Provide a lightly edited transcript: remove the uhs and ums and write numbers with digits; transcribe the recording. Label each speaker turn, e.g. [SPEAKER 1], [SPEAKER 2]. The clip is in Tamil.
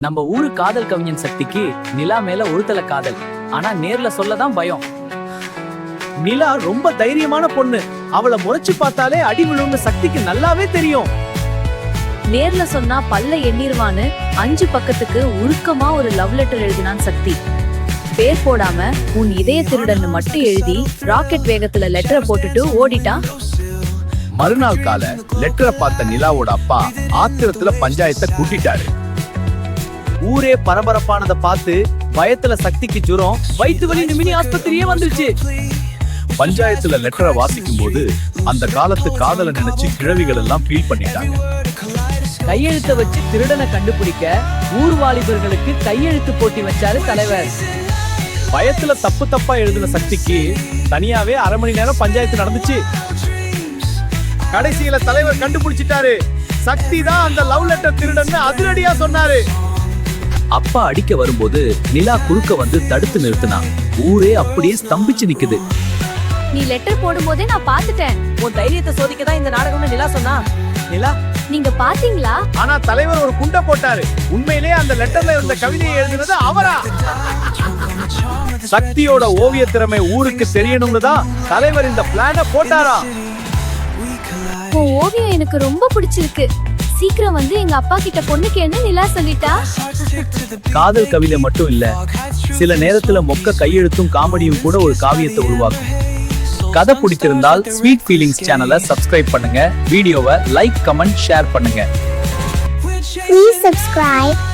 [SPEAKER 1] நம்ம ஊரு காதல் கவிஞன் சக்திக்கு நிலா மேல ஒருத்தல காதல். ஆனா நேர்ல சொல்லதான் பயம்.
[SPEAKER 2] நிலா ரொம்ப தைரியமான பொண்ணு. அவளை முறைச்சு பார்த்தாலே அடி விழுந்த சக்திக்கு நல்லாவே தெரியும்.
[SPEAKER 3] நேர்ல சொன்னா பல்ல எண்ணிருவான்னு 5 பக்கத்துக்கு உருக்கமா ஒரு லவ் லெட்டர் எழுதினான் சக்தி. பேர் போடாம உன் இதய திருடன்னு மட்டும் எழுதி ராக்கெட் வேகத்துல லெட்டரை போட்டுட்டு ஓடிட்டான்.
[SPEAKER 4] மறுநாள் கால லெட்டரை பார்த்த நிலாவோட அப்பா ஆத்திரத்துல பஞ்சாயத்தை கூட்டிட்டாரு.
[SPEAKER 2] ஊரே பரபரப்பானதை பார்த்து பயத்துல சக்திக்கு ஜுரம், வயிற்று வலி, மினி ஆஸ்பத்திரியே வந்துருச்சு.
[SPEAKER 4] பஞ்சாயத்துல லெட்டரை வாசிக்கும் போது அந்த காலத்து காதலை நினைச்சு கிழவிகள் எல்லாம் ஃபீல் பண்ணிட்டாங்க.
[SPEAKER 1] கையெழுத்த வச்சு திருடனை கண்டுபிடிக்க ஊர் வாலிபர்களுக்கு கையெழுத்து போட்டி வச்சாரு தலைவர்.
[SPEAKER 2] பயத்துல தப்பு தப்பா எழுதின சக்திக்கு தனியாவே 1/2 மணி நேரம் பஞ்சாயத்து நடந்துச்சு. கடைசியில தலைவர் கண்டுபிடிச்சிட்டாரு. சக்தி தான் அந்த லவ் லெட்டர் திருடன்னு அதிரடியா சொன்னாரு.
[SPEAKER 1] அப்பா அடிக்க வரும்போது நிலா குறுக்க வந்து தடுத்து நிறுத்தினா. ஊரே அப்படியே ஸ்தம்பிச்சு நிக்குது.
[SPEAKER 3] நீ லெட்டர் போடும் போதே நான் பாத்துட்டேன்.
[SPEAKER 5] உன் தைரியத்தை சோதிக்கதான் இந்த நாடகம்னு நிலா சொன்னா.
[SPEAKER 2] நிலா,
[SPEAKER 3] நீங்க பாத்தீங்களா?
[SPEAKER 2] ஆனா தலைவர் ஒரு குண்டை போட்டாரு. உண்மையிலே அந்த லெட்டர்ல இருந்த கவிதையை எழுதினது அவரா? சக்தியோட ஓவிய திறமை ஊருக்கு தெரியணும்னு தான் தலைவர் இந்த பிளான போட்டாரா?
[SPEAKER 3] உன் ஓவியம் எனக்கு ரொம்ப பிடிச்சிருக்கு. சீக்கிரம் வந்து எங்க அப்பா கிட்ட பொண்ணு கேன்னு நிலா சொல்லிட்டா.
[SPEAKER 1] காதல் கவிதை மட்டும் இல்ல, சில நேரத்துல மொக்க கையெழுத்தும் காமெடியும் கூட ஒரு காவியத்தை உருவாக்கும். கதை பிடித்திருந்தால் ஸ்வீட் ஃபீலிங்ஸ் சேனலை சப்ஸ்கிரைப் பண்ணுங்க. வீடியோவை லைக், கமெண்ட், ஷேர் பண்ணுங்க.
[SPEAKER 6] Please subscribe